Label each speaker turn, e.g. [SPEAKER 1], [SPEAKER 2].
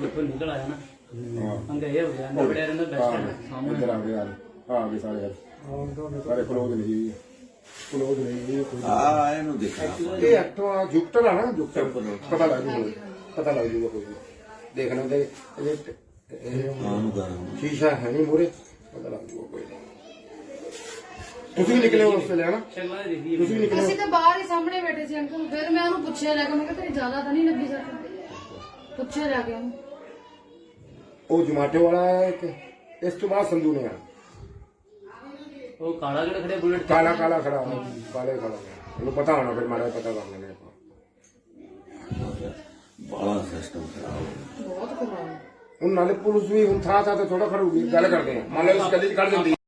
[SPEAKER 1] ਦੇਖੋ ਨਿਕਲ ਆਇਆ ਨਾ
[SPEAKER 2] ਹਾਂ
[SPEAKER 1] ਅੰਗੇ ਇਹ ਹੋ ਗਿਆ ਅੰਦਰ ਬੜਿਆ ਰਹਿੰਦਾ ਬੈਸਟ ਸਾਹਮਣੇ
[SPEAKER 2] ਇੱਧਰ ਆ ਗਏ ਯਾਰ ਆ ਗਏ ਸਾਰੇ ਕਲੋਜ਼ ਨਹੀਂ ਕਲੋਜ਼ ਨਹੀਂ
[SPEAKER 3] ਆ ਇਹਨੂੰ ਦੇਖਾ
[SPEAKER 2] ਇਹ ਐਕਟਰ ਜੁਪਟਰ ਆ ਨਾ ਜੁਪਟਰ ਪਤਾ ਲੱਗ ਜੂਗਾ ਕੋਈ ਦੇਖਣਾ ਤੇ ਸ਼ੀਸ਼ਾ ਹੈ ਨਹੀਂ ਮੂਰੇ ਪਤਾ ਲੱਗ ਜੂਗਾ ਕੋਈ ਤੁਸੀਂ ਨਿਕਲੇ ਉਸ ਵੇਲੇ ਹਨਾ
[SPEAKER 1] ਸ਼ਕਲਾਂ ਦੇਖੀ
[SPEAKER 2] ਤੁਸੀਂ ਨਿਕਲੇ
[SPEAKER 4] ਅਸੀਂ ਤਾਂ ਬਾਹਰ ਹੀ ਸਾਹਮਣੇ ਬੈਠੇ ਸੀ ਅੰਕਲ ਫਿਰ ਮੈਂ ਉਹਨੂੰ ਪੁੱਛਿਆ ਲੈ ਕੇ ਮੈਂ ਕਿਹਾ ਤੇਰੀ ਜ਼ਿਆਦਾ ਤਾਂ ਨਹੀਂ ਲੱਗੀ ਸੱਟ ਪੁੱਛਿਆ ਜਾ ਕੇ ਉਹਨੂੰ
[SPEAKER 2] ਉਹ ਜਮਾਟੋ ਵਾਲਾ ਹੈ ਇੱਕ ਇਸ ਤੋਂ ਬਾਅਦ ਸੰਧੂ ਨੇ ਆ
[SPEAKER 1] ਉਹ ਕਾਲਾ ਜਿਹੜਾ ਖੜਿਆ ਬੁਲਟ
[SPEAKER 2] ਕਾਲਾ ਖੜਾ ਕਾਲੇ ਖੜਾ ਉਹਨੂੰ ਪਤਾ ਹੋਣਾ ਫਿਰ ਮਾੜਾ ਪਤਾ ਕਰ ਲੈਣੇ ਆਪਾਂ
[SPEAKER 3] ਬੜਾ ਸਿਸਟਮ ਖਰਾਬ
[SPEAKER 4] ਬਹੁਤ ਖਰਾਬ
[SPEAKER 2] ਹੁਣ ਨਾਲੇ ਪੁਲਿਸ ਵੀ ਹੁਣ ਥਾਂ ਤੇ ਥੋੜਾ ਖੜੂਗੀ ਗੱਲ ਕਰਦੇ ਆ ਮੰਨ ਲਓ ਇਸ ਗਲੀ ਚ ਕੱਢ ਦਿੰਦੀ